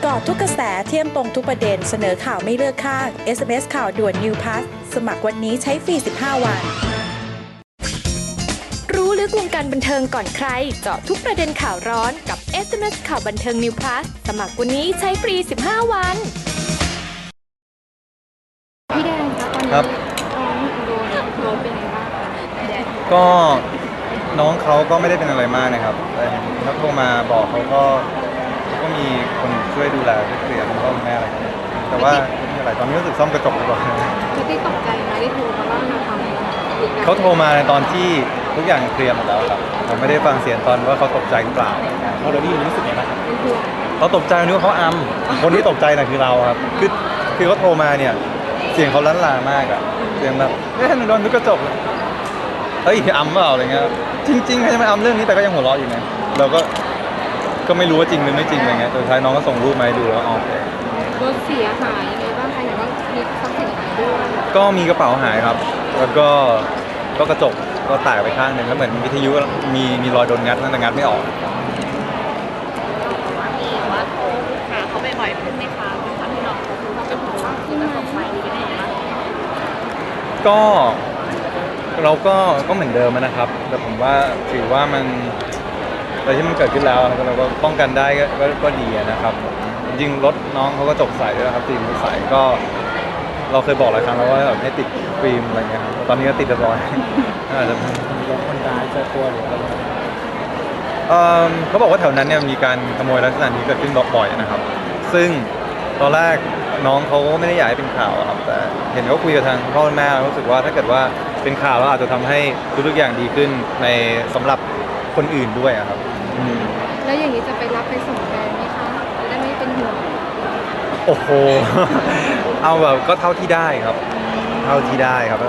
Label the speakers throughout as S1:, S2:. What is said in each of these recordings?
S1: กาะทุกกระแสเที่ยมตรงทุกประเด็นเสนอข่าวไม่เลือกข้าง SMS ข่าวด่วน New Pass สมัครวันนี้ใช้ฟรี 15 วัน
S2: รู้ลึกวงการบันเทิงก่อนใครเจาะทุกประเด็นข่าวร้อนกับ SMS ข่าวบันเทิง New Plus สมัครวันนี้ใช้ฟรี 15 วัน
S3: พี่แดงคะตอนนี้
S4: ครับ
S3: น้องโดนเป็นไงบ้างคะแดง
S4: ก็น้องเขาก็ไม่ได้เป็นอะไรมากนะครับแต่เขาโทรมาบอกเขาก็มีคนช่วยดูแลช่วยเคลียร์คุณพ่อคุณแม่อะไรอย่างเงี้ยแต่ว่าไม่มีอะไรตอนนี้รู้สึกซ่อมกระจกดีกว่า
S3: พี่ติ๊กตกใจไหมได้โทรมาว่าเราทำอะไร
S4: เขาโทรมาในตอนที่ทุกอย่างเคลียร์หมดแล้วครับผมไม่ได้ฟังเสียงตอนว่าเขาตกใจหรือเปล่าเขาได้ยินรู้สึกไงบ้าง
S3: เป็นห่วง
S4: เขาตกใจนึกว่าเขาอัมคนที่ตกใจน่ะคือเราครับคือเขาโทรมาเนี่ยเสียงเขาล้านลามากอะเสียงแบบหนูโดนทุกกระจกเลยเฮ้ยอัมเปล่าอะไรเงี้ยจริงๆใครจะไม่อัมเรื่องนี้แต่ก็ยังหัวเราะอยู่ไงเราก็ไม่รู้ว่าจริงหรือไม่จริงอะไรเงี้ยสุดท้ายน้องก็ส่งรูปมาให้ดูแล้วอ๋อโอเค
S3: รถเสียหายยังไงบ้างคะเห็นว่ามีทรัพย์สินหายด้วย
S4: ก็มีกระเป๋าหายครับ แล้วก็กระจกก็แตกไปข้างหนึ่งแล้วเหมือนวิทยุมีรอยโดนงัดนั่นแต่งัดไม่ออก
S5: มีว่าโทรหาเขาบ่อยๆขึ้นไหมคะเป็นความที่น้องเขาคือเขาเป็นห่วงว่าที่จะส่งไปเป็นยังไงบ้าง
S4: ก็เราก็เหมือนเดิมนะครับ แต่ผมว่าถือว่ามันอะไรที่มันเกิดขึ้นแล้วเราก็ป้องกันได้ก็ดีนะครับจริงๆรถน้องเขาก็จบใสด้วยนะครับตีมือใสก็เราเคยบอกหลายครั้งแล้วว่าแบบให้ติดฟิล์มอะไรเงี้ยครับตอนนี้ก็ติดเรียบร้อยอาจจะรถคนร้ายเจอตัวหรืออะไรเขาบอกว่าแถวนั้นเนี่ยมีการขโมยลักษณะนี้เกิดขึ้นบ่อยนะครับ ซึ่งตอนแรกน้องเขาก็ไม่ได้อยากให้เป็นข่าวครับ แต่เห็นเขาคุยกับทางพ่อแม่รู้สึกว่าถ้าเกิดว่าเป็นข่าวแล้วอาจจะทำให้ทุกๆอย่างดีขึ้นในสำหรับคนอื่นด้วยครับ
S3: แล้วอย่างนี้จะไปรับไปส่งแดงไหมคะจะได้ไม่เป็นห่วง
S4: โอ้โห เอาแบบก็เท่าที่ได้ครับ เท่าที่ได้ครับ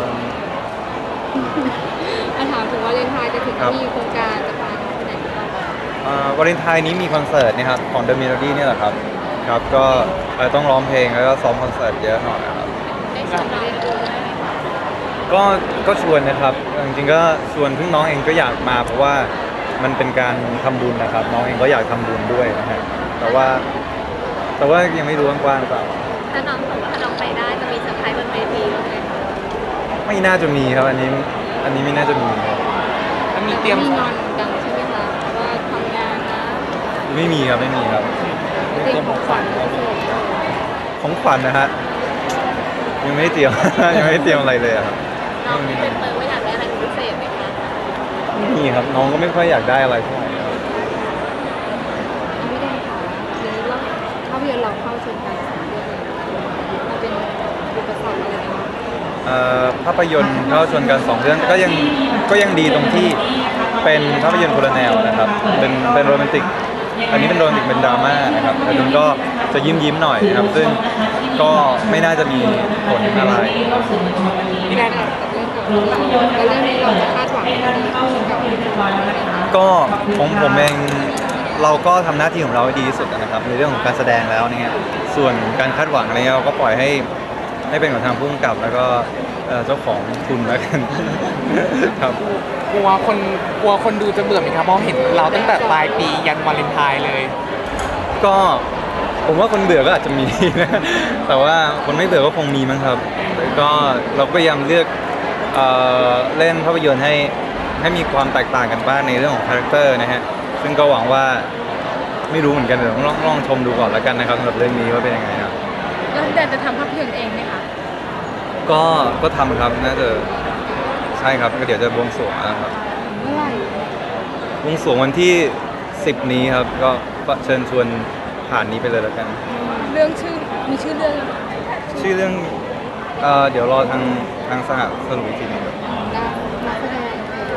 S3: ถามถึงวาเลนไทน์จะถึง
S4: ครับ
S3: มีโครงการจะพาน้องไปไหนบ้างคะ
S4: วาเลนไทน์นี้มีคอนเสิร์ตนะครับของ The Melody เนี่ยแหละครับครับก็ต้องร้องเพลงแล้วก็ซ้อมคอนเสิร์ตเยอะหน่อยนะครับ
S5: ได้ชวนน้องไปดูด้วยไหมคะ
S4: ก็ชวนนะครับจริงๆก็ชวนซึ่งน้องเองก็อยากมาเพราะว่ามันเป็นการทำบุญนะครับ น้องเองก็อยากทำบุญด้วยนะฮะแต่ว่ายังไม่รู้กว้างๆหรือเปล่า
S5: ถ้าน้องบอกว่าถ้าน้องไปได้จะมีเซอร์ไพรส์บนเวทีบ้างไหมคะ
S4: ไม่น่าจะมีครับอันนี้ไม่น่าจะมีครับ
S3: มีเตรียมงอนกันใช่ไหมคะว่าทำงานนะ
S4: ไม่มีครับไม่มีครับ
S3: เตรียมของขวัญมาส่ง
S4: ของขวัญนะฮะยังไม่ได้เตรียม ยังไม่ได้เตรียมอะไรเลยอะครับ
S5: น้องมีเป็นเปิดว่าอยากได้อะไรเป็นพิเศษไหมคะ
S4: ไม่มีครับน้องก็ไม่ค่อยอยากได้อะไรเท่าไหร่ครับ
S3: ไม่ได้ค่ะทีนี้เราภาพยนตร์เราเข้าชมกันสองเรื่องเลยมันเป็นอุปสรรคอะไรบ้าง
S4: ภาพยนตร์เข้าชวนกัน2เรื่องก็ยังดีตรงที่เป็นภาพยนตร์คนละแนวนะครับเป็นโรแมนติกอันนี้เป็นโรแมนติกเป็นดราม่านะครับแต่ดุนก็จะยิ้มหน่อยนะครับซึ่งก็ไม่น่าจะมีผลอะไร
S3: พี่แดนกับเรื่องกับแล้วเรื่องนี้เราจะคาดหวังอะไรกับ
S4: ก็ของผมเองเราก็ทำหน้าที่ของเราให้ดีที่สุดนะครับในเรื่องของการแสดงแล้วเนี่ยส่วนการคาดหวังอะไรเงี้ยเราก็ปล่อยให้เป็นของทางผู้กำกับแล้วก็เจ้าของทุนแล้วกัน ครับ
S6: กลัวคนดูจะเบื่อไหมครับเพราะเห็นเราตั้งแต่ปลายปียันวาเลนไทน์เลย
S4: ก็ผมว่าคนเบื่อก็อาจจะมีนะ แต่ว่าคนไม่เบื่อก็คงมีมั้งครับแล้วก็เราก็พยายามเลือกเล่นภาพยนตร์ให้มีความแตกต่างกันบ้างในเรื่องของคาแรคเตอร์นะฮะซึ่งก็หวังว่าไม่รู้เหมือนกันเดี๋ยวต้องลองชมดูก่อนแล้วกันนะครับสำหรับเรื่องนี้ว่าเป็นยังไงครับ
S3: แล้วพี่แดนจะทำภาพยนตร์เองไหมคะ
S4: ก็ทำครับน่าจะใช่ครับก็เดี๋ยวจะบวงสรวงนะครับ
S3: เมื่อไหร่
S4: บวงสรวงวันที่ 10 นี้ครับก็เชิญชวนผ่านนี้ไปเลยแล้วกัน
S3: เรื่องมีชื่อเรื่อง
S4: ชื่อเรื่องเดี๋ยวรอทางสหสรุปอีกทีหนึงครับ
S3: นักแสดง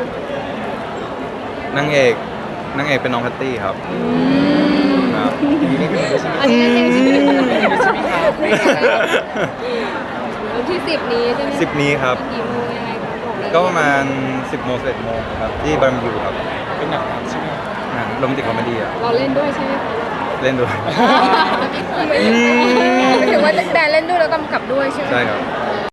S4: นางเอกเป็นน้องแพตตี้ครับครับ
S3: อันนี้เองใช่ไหมวันที่10นี้ใช่ไหม
S4: 10 นี้ครับ
S3: กี่โมงยังไงคะบอกเลย
S4: ก็ประมาณ 10 โมง 11 โมงครับที่บาร์บีคิวครับเป็นหนังใช่ไหมหนังโรแมนติกคอมเมดี้อะ
S3: เราเล่นด้วยใช่ไหมคะ
S4: เล่นด้วย
S3: หมายถึงว่าแดนเล่นด้วยแล้วกำกับด้วยใช่ไหม
S4: ใช่ครับ
S3: อ